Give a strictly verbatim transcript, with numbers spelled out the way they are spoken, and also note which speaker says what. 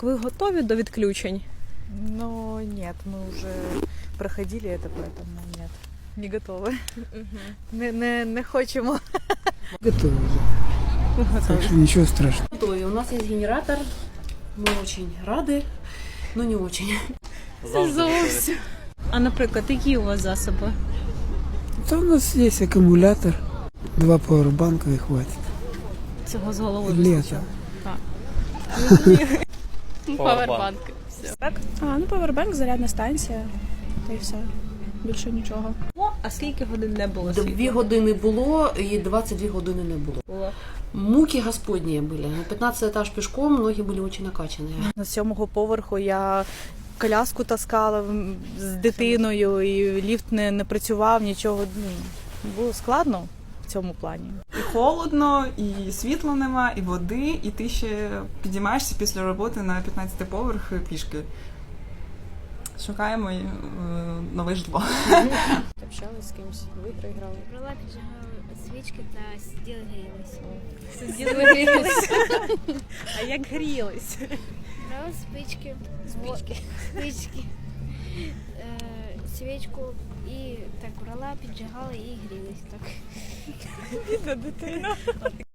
Speaker 1: Ви готові до відключень?
Speaker 2: Но нет, мы уже проходили это, поэтому нет, не готовы. Не, не, не хочемо.
Speaker 3: Готовы. Так что ничего страшного.
Speaker 4: Готовы. У нас есть генератор. Мы очень рады, но не очень.
Speaker 1: Зовсім. А, наприклад, які у вас засоби?
Speaker 3: Это у нас есть аккумулятор, два пауэрбанка и хватит.
Speaker 1: Цього з голови
Speaker 3: Лето.
Speaker 1: Павербанк. Так?
Speaker 5: А, ну павербанк, зарядна станція, та й все. Більше нічого.
Speaker 1: О, а скільки годин не було світла?
Speaker 4: Дві години було і двадцять дві години не було.
Speaker 1: Було.
Speaker 4: Муки господні були. На пятнадцатый этаж пішком, ноги були дуже накачані.
Speaker 2: На сьомого поверху я коляску таскала з дитиною, і ліфт не, не працював, нічого. Ну, було складно в цьому плані.
Speaker 6: І холодно, і світла нема, і води, і ти ще підіймаєшся після роботи на п'ятнадцятий поверх пішки. Шукаємо е, нове житло.
Speaker 7: Общалась з кимось, в ігри грали.
Speaker 8: Брала, піджигала свічки та сиділа грілась.
Speaker 1: Сиділи грілись. А як грілись?
Speaker 8: Брала спички, спички, спички, е, свічку і так брала, піджигала і грілась так.
Speaker 1: Бідна дитина.